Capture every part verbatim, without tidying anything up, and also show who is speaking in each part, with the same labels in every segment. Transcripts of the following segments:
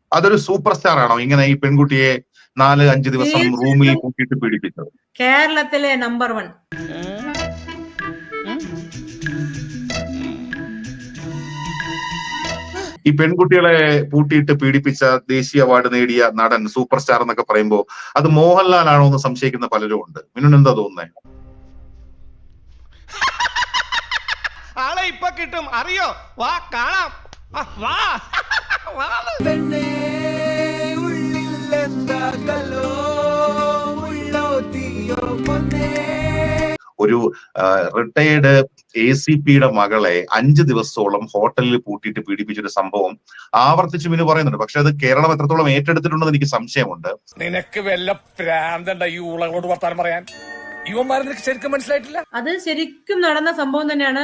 Speaker 1: അതൊരു super star ആണോ ഇങ്ങനെ ഈ പെൺകുട്ടിയെ നാല് അഞ്ച് ദിവസം റൂമിൽ കൂട്ടിയിട്ട് പീഡിപ്പിച്ചത്?
Speaker 2: കേരളത്തിലെ നമ്പർ വൺ.
Speaker 1: ഈ പെൺകുട്ടികളെ പൂട്ടിയിട്ട് പീഡിപ്പിച്ച ദേശീയ അവാർഡ് നേടിയ നടൻ സൂപ്പർ സ്റ്റാർ എന്നൊക്കെ പറയുമ്പോ അത് മോഹൻലാൽ ആണോ എന്ന് സംശയിക്കുന്ന പലരും ഉണ്ട്. മിനുന് എന്താ തോന്നുന്നത്?
Speaker 3: ആളെ ഇപ്പൊ കിട്ടും, അറിയോ? വാ കാണാം. വാ
Speaker 1: ഒരു റിട്ടയേർഡ് എ സി പിയുടെ മകളെ അഞ്ച് ദിവസത്തോളം ഹോട്ടലിൽ പൂട്ടിയിട്ട് പീഡിപ്പിച്ചൊരു സംഭവം ആവർത്തിച്ചു മിനു പറയുന്നുണ്ട്. പക്ഷെ അത് കേരളം എത്രത്തോളം ഏറ്റെടുത്തിട്ടുണ്ടെന്ന് എനിക്ക് സംശയമുണ്ട്.
Speaker 4: നിനക്ക് വല്ല പ്രാന്തണ്ട ഈ ഊളകളോട് വർത്താനം പറയാൻ? ഇവന്മാരെ നിനക്ക് ശരിക്കും മനസ്സിലായിട്ടില്ല.
Speaker 2: അത് ശരിക്കും നടന്ന സംഭവം തന്നെയാണ്.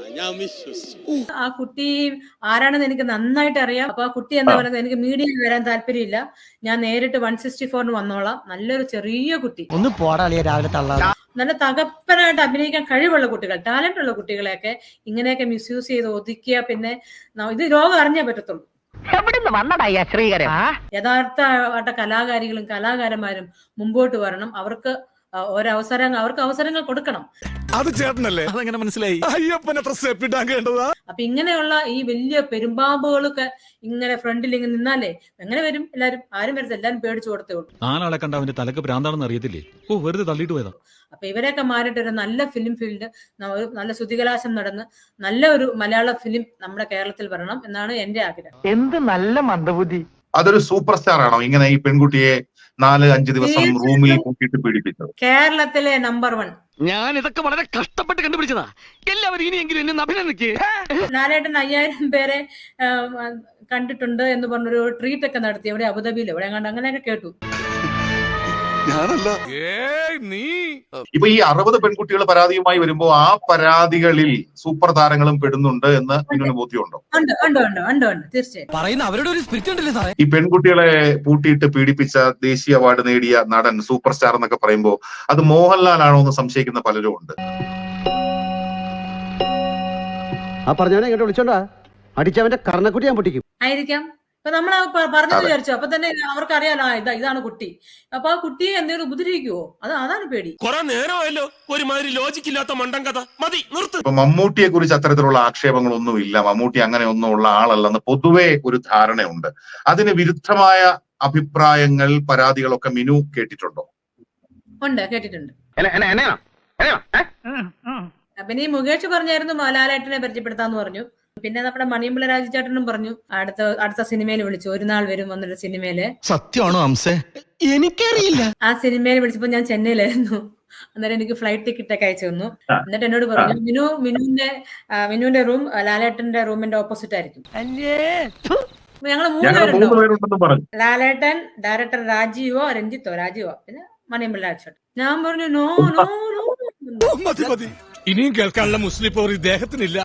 Speaker 2: ആ കുട്ടി ആരാണെന്ന് എനിക്ക് നന്നായിട്ട് അറിയാം. അപ്പൊ ആ കുട്ടി എന്താ പറയുന്നത്, എനിക്ക് മീഡിയയിൽ വരാൻ താല്പര്യമില്ല, ഞാൻ നേരിട്ട് വൺ സിക്സ്റ്റി ഫോറിന് വന്നോളാം. നല്ലൊരു ചെറിയ കുട്ടി,
Speaker 5: ഒന്ന് പോടാളിയ രാവിലെ തള്ളാ,
Speaker 2: നല്ല തകപ്പനായിട്ട് അഭിനയിക്കാൻ കഴിവുള്ള കുട്ടികൾ, ടാലന്റ് ഉള്ള കുട്ടികളെയൊക്കെ ഇങ്ങനെയൊക്കെ മിസ്യൂസ് ചെയ്ത് ഒതുക്കിയ പിന്നെ ഇത് ലോകം അറിഞ്ഞേ പറ്റത്തുള്ളൂ. യഥാർത്ഥ കലാകാരികളും കലാകാരന്മാരും മുമ്പോട്ട് വരണം. അവർക്ക് ഒരവസരം അവർക്ക് അവസരങ്ങൾ കൊടുക്കണം.
Speaker 4: അത് ചേട്ടനല്ലേ? അതെങ്ങനെ മനസ്സിലായി? അയ്യപ്പനെ കേണ്ടതാ.
Speaker 2: അപ്പൊ ഇങ്ങനെയുള്ള ഈ വലിയ പെരുമ്പാമ്പുകളൊക്കെ ഇങ്ങനെ ഫ്രണ്ടിൽ ഇങ്ങനെ നിന്നാലേ എങ്ങനെ വരും? എല്ലാരും ആരും വരത്തില്ല, എല്ലാരും പേടിച്ചു കൊടുത്തേ ഉള്ളൂ.
Speaker 6: നാലാളെ കണ്ട അവന്റെ തലക്ക് ഭ്രാന്താണെന്ന് അറിയത്തില്ലേ? ഓ, വെറുതെ തള്ളിയിട്ട് പോയതാ.
Speaker 2: അപ്പൊ ഇവരെയൊക്കെ മാറിയിട്ട് ഒരു നല്ല ഫിലിം ഫീൽഡ്, നല്ല ശ്രുതികലാശം നടന്ന് നല്ല ഒരു മലയാള ഫിലിം നമ്മുടെ കേരളത്തിൽ വരണം എന്നാണ് എന്റെ ആഗ്രഹം.
Speaker 5: എന്ത് നല്ല മന്ദബുദ്ധി.
Speaker 1: അതൊരു സൂപ്പർ സ്റ്റാർ ആണോ ഇങ്ങനെ ഈ പെൺകുട്ടിയെ നാല് അഞ്ച് ദിവസം റൂമിൽ കൂട്ടിയിട്ട് പീഡിപ്പിച്ചത്?
Speaker 2: കേരളത്തിലെ നമ്പർ വൺ.
Speaker 5: ഞാൻ ഇതൊക്കെ വളരെ കഷ്ടപ്പെട്ട് കണ്ടുപിടിച്ചതാ. എല്ലാവരും ഇനിയെങ്കിലും എന്നെ അഭിനന്ദിക്ക്.
Speaker 2: ലാലേട്ടൻ അയ്യായിരം പേരെ കണ്ടിട്ടുണ്ട് എന്ന് പറഞ്ഞൊരു ട്രീറ്റ് ഒക്കെ നടത്തി എവിടെ, അബുദാബിയിൽ എവിടെ കണ്ട്, അങ്ങനെയൊക്കെ കേട്ടു.
Speaker 1: ഇപ്പൊ ഈ അറുപത് പെൺകുട്ടികൾ പരാതിയുമായി വരുമ്പോ ആ പരാതികളിൽ സൂപ്പർ താരങ്ങളും പെടുന്നുണ്ട് എന്ന് മിനുന് ബോധ്യമുണ്ടോ?
Speaker 2: തീർച്ചയായും
Speaker 5: അവരുടെ ഒരു സ്പിരിറ്റ് ഉണ്ടല്ലേ സാറേ.
Speaker 1: ഈ പെൺകുട്ടികളെ പൂട്ടിയിട്ട് പീഡിപ്പിച്ച ദേശീയ അവാർഡ് നേടിയ നടൻ സൂപ്പർ സ്റ്റാർ എന്നൊക്കെ പറയുമ്പോ അത് മോഹൻലാൽ ആണോ എന്ന് സംശയിക്കുന്ന പലരും ഉണ്ട്.
Speaker 5: ആ പറഞ്ഞവനെ ഇങ്ങോട്ട് വിളിച്ചോണ്ടാ അടിച്ചവന്റെ കർണക്കുട്ടി ഞാൻ പൊട്ടിക്കും.
Speaker 2: ആയിരിക്കാം. ഇപ്പൊ നമ്മൾ പറഞ്ഞു വിചാരിച്ചു, അപ്പൊ തന്നെ അവർക്ക് അറിയാലോ ഇതാ ഇതാണ് കുട്ടി. അപ്പൊ ആ കുട്ടിയെ എന്തെങ്കിലും ഉപദ്രവിക്കുവോ? അത് അതാണ് പേടി.
Speaker 3: കുറെ നേരമായല്ലോ ഒരുമാതിരി ലോജിക് ഇല്ലാത്ത മണ്ടൻ കഥ, മതി നിർത്ത്.
Speaker 1: ഇപ്പൊ മമ്മൂട്ടിയെ കുറിച്ച് അത്തരത്തിലുള്ള ആക്ഷേപങ്ങളൊന്നും ഇല്ല, മമ്മൂട്ടി അങ്ങനെ ഒന്നും ഉള്ള ആളല്ലെന്ന് പൊതുവെ ഒരു ധാരണയുണ്ട്. അതിന് വിരുദ്ധമായ അഭിപ്രായങ്ങൾ, പരാതികളൊക്കെ മിനു കേട്ടിട്ടുണ്ടോ?
Speaker 2: ഉണ്ട്, കേട്ടിട്ടുണ്ട്. പിന്നെ ഈ മുകേഷ് പറഞ്ഞായിരുന്നു ലാലേട്ടനെ പരിചയപ്പെടുത്താന്ന് പറഞ്ഞു. പിന്നെ നമ്മുടെ മണിയമ്പിള്ള രാജചേട്ടനും പറഞ്ഞു അടുത്ത അടുത്ത സിനിമയിൽ വിളിച്ചു, ഒരു നാൾ വരും എന്നൊരു സിനിമയില്.
Speaker 6: സത്യമാണോ അംസേ? എനിക്കറിയില്ല.
Speaker 2: ആ സിനിമയിൽ വിളിച്ചപ്പോ ഞാൻ ചെന്നൈയിലായിരുന്നു. അന്നേരം എനിക്ക് ഫ്ലൈറ്റ് ടിക്കറ്റ് ഒക്കെ അയച്ചു തന്നു. എന്നിട്ട് എന്നോട് പറഞ്ഞു, മിനു മിനുവിന്റെ മിനുവിന്റെ റൂം ലാലേട്ടന്റെ റൂമിന്റെ ഓപ്പോസിറ്റ് ആയിരിക്കും. ഞങ്ങള് മൂന്നുപേരുണ്ടോ, ലാലേട്ടൻ, ഡയറക്ടർ രാജീവോ രഞ്ജിത്തോ രാജീവോ പിന്നെ മണിയമ്പിള്ള രാജചേട്ടൻ. ഞാൻ പറഞ്ഞു നോ നോ നോ.
Speaker 4: ഇനിയും കേൾക്കാനുള്ള മുസ്ലിം പോർ ഇദ്ദേഹത്തിനില്ല.